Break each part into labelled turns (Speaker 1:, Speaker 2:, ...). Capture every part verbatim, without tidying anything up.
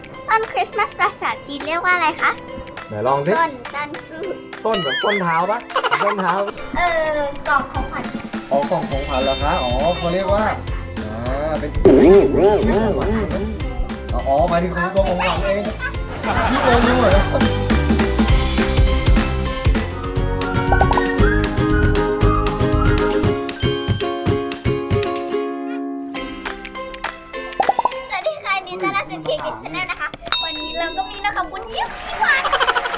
Speaker 1: ต้นคริสต์มาสภาษาจีนเรียกว่าอะไรคะ
Speaker 2: ไหนลองสิ
Speaker 1: ต้นต้นซื้อ
Speaker 2: ต้นแบบต้นเท้าปะต้นเท้า
Speaker 1: เออกล่องของขวัญ
Speaker 2: อ๋อกล่องของขวัญเหรอคะอ๋อเขาเรียกว่าอ่าเป็นชื่อของขวัญอ๋อหมายถึงของตัวของขวัญเองพี่โดนดูเหรอ
Speaker 1: วันนี้เราก็มีนะคะบุญยิ้มพี่หวาน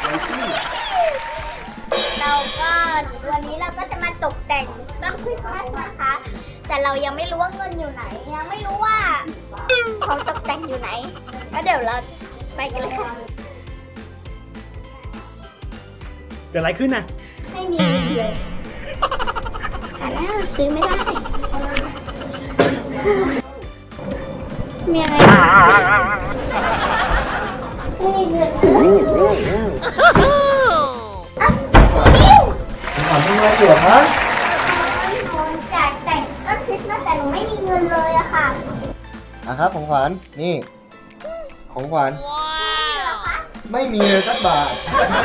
Speaker 1: เราก็วันนี้เราก็จะมาตกแต่งต้นคริสต์มาสนะคะแต่เรายังไม่รู้ว่าเงินอยู่ไหนยังไม่รู้ว่าของตกแต่งอยู่ไหนก็เดี๋ยวเราไปกันเลยค่ะ
Speaker 3: เกิดอะไรขึ้นน่ะ
Speaker 1: ไม่มีเลยหาหน้าซื้อไม่ได้มีอะไรไม่มีเงินอ่ะยิ้ว
Speaker 2: ขวัญทำอะไรอยู่คะ
Speaker 1: คนจ่ายแต่งต้นคริสต์มาสแต่หนูไม่มีเงินเลยอะค่ะ
Speaker 2: อ่ะครับของขวัญนี่ของขวัญไม่มีเลยสักบาท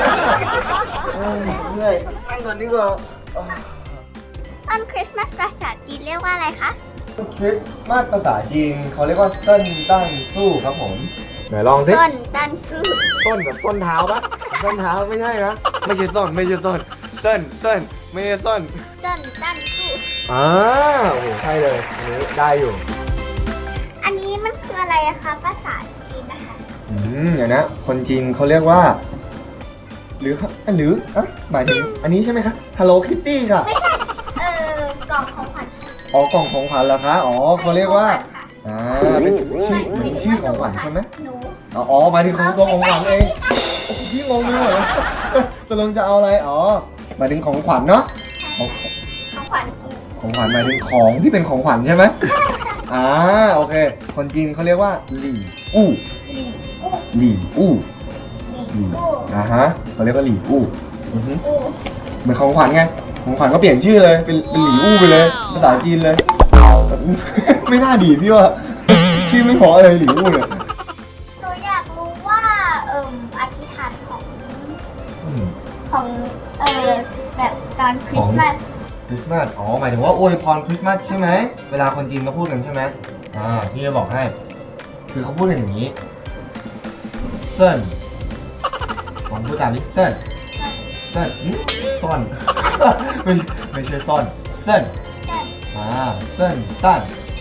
Speaker 2: เหนื่อยนั่งก่อนดีกว่า
Speaker 1: ต้นคริสต์มาสภาษาจีนเรียกว่าอะไรคะ
Speaker 2: คริสต์มาสภาษาจีนเขาเรียกว่าเส้นตั้งสู้ครับผมไหนลองสิ
Speaker 1: ต้นตั้นสู้
Speaker 2: ต้นแบบต้นเท้าปะต้นเท้าไม่ใช่นะไม่ใช่ต้นไม่ใช่ต้นเส้นเส้นไม่ใช่ต้น
Speaker 1: ต้นตั้นสู้
Speaker 2: อ่าโอ้โหใช่เลยอันนี้ได้อยู่
Speaker 1: อันนี้มันคืออะไรอะคะภาษาจีนนะคะ
Speaker 2: อืมเดี๋ยวนะคนจีนเขาเรียกว่าหรือหรืออ่ะหมายถึงอันนี้ใช่ไหมคะ Hello Kitty ค่ะ
Speaker 1: ไม่ใช่เออกล่องของขวัญ
Speaker 2: อ๋อกล่องของขวัญเหรอคะอ๋อเขาเรียกว่าอ่าเป็นชื่อเหมือนชื่อของขวัญใช่ไหมอ๋อหมายถึงของตัวของขวัญเองพี่งงเลยเหรอตกลงจะเอาอะไรอ๋อหมายถึงของขวัญเนาะ
Speaker 1: ของขวัญ
Speaker 2: ของขวัญหมายถึงของที่เป็นของขวัญใช่ไหมอ่าโอเคคนจีนเขาเรียกว่าหลี่อู้หลี่อู้หลี่อ่าฮะเขาเรียกว่าหลี่อู้เหมือนของขวัญไงของขวัญก็เปลี่ยนชื่อเลยเป็นเป็นหลี่อู้ไปเลยภาษาจีนเลยไม่น่าดีพี่ว่าชื่อไม่พอเลยหลี่อู้เนี่ย
Speaker 1: หนูอยากรู้ว่าเอ่ออธิษฐานของของเอ่อแบบตอนคริสต์มาส
Speaker 2: คริสต์มาสอ๋อหมายถึงว่าอวยพรคริสต์มาสใช่ไหมเวลาคนจีนเขาพูดกันใช่ไหมอ่าพี่จะบอกให้คือเขาพูดกันอย่างนี้เซินผมพูดตามนี้เซินเซินต้นไม่ไม่ใช่ต้นเซินอ่าเซินตั้น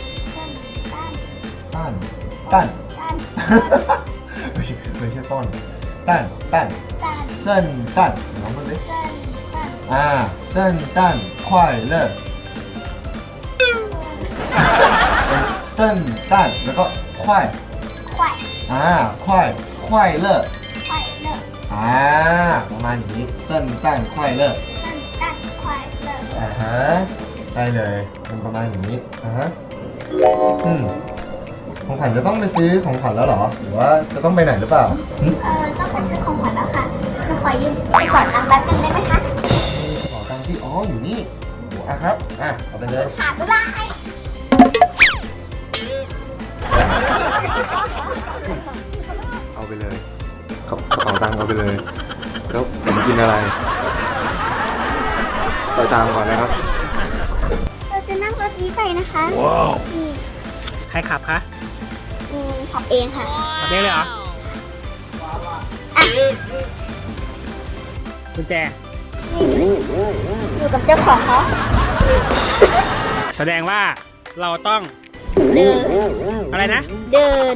Speaker 2: ตั้นตั้นไม่ใช่ไม่ใช่ต้นตั้นตั้นเซินตั้นลองมาดิอ่าเซินตั้น快乐เซินตั้นแล้วก็快อ่า快快乐อ่าประมาณอย่างนี้เซินตั้น快乐อ่าฮะได้เลยเป็นประมาณอย่างนี้อ่าฮะอืมของขวัญจะต้องไปซื้อของขวัญแล้วเหรอหรือว่าจะต้องไปไหนหรือเปล่า
Speaker 1: เออต้องไปซื้อของขวัญแล้วค่ะจะขอยืมไปก่อนตังค์แป๊บนึงได้ไหมคะ
Speaker 2: ขอตังค์ที่อ๋ออยู่นี่อ่ะครับอ่ะเอาไปเลย
Speaker 1: ค่ะบ๊ายบาย
Speaker 2: เอาไปเลยกระเป๋าตังค์เอาไปเลยแล้วผมกินอะไรต่อตามก่อนนะครับ
Speaker 1: เราจะนั่งรถนี้ไปนะคะ
Speaker 3: ว้าวใครขับคะ
Speaker 1: อืมขับเองค่ะ
Speaker 3: ขับเองเลยเหรอ
Speaker 1: อ่ะ
Speaker 3: กุญแจ
Speaker 1: อยู่กับเจ้าของเขา
Speaker 3: แสดงว่าเราต้อง
Speaker 1: เดิน
Speaker 3: อะไรนะ
Speaker 1: เดิน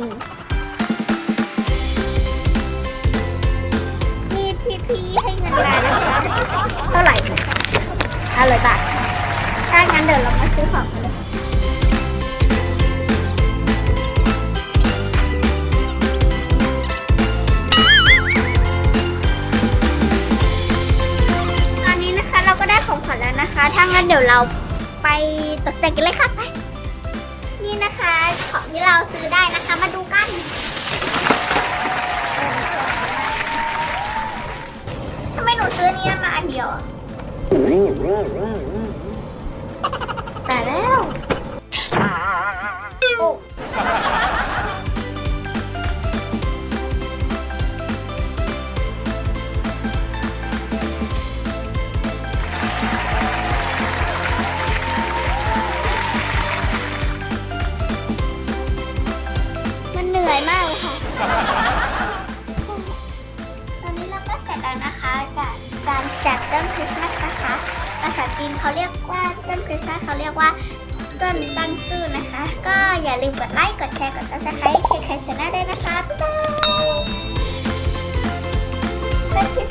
Speaker 1: นี่พี่ๆให้เงินมานะคะเท่าไหร่ห้าร้อยบาทถ้างั้นเดี๋ยวเรามาซื้อของกันเลยตอนนี้นะคะเราก็ได้ของขวัญแล้วนะคะถ้างั้นเดี๋ยวเราไปตกแต่งกันเลยค่ะไปนี่นะคะของที่เราซื้อได้นะคะมาดูกันทำไมหนูซื้อนี้มาอันเดียวแต่แล้วโอ้กับการจัดต้นคริสต์มาสนะคะภาษาจีนเขาเรียกว่าต้นคริสต์มาสเขาเรียกว่าต้นตั้งซื่อนะคะ ก็อย่าลืมกดไลค์กดแชร์กด ซับสไครบ์ เค เค Channel ด้วยนะคะบ๊ายบาย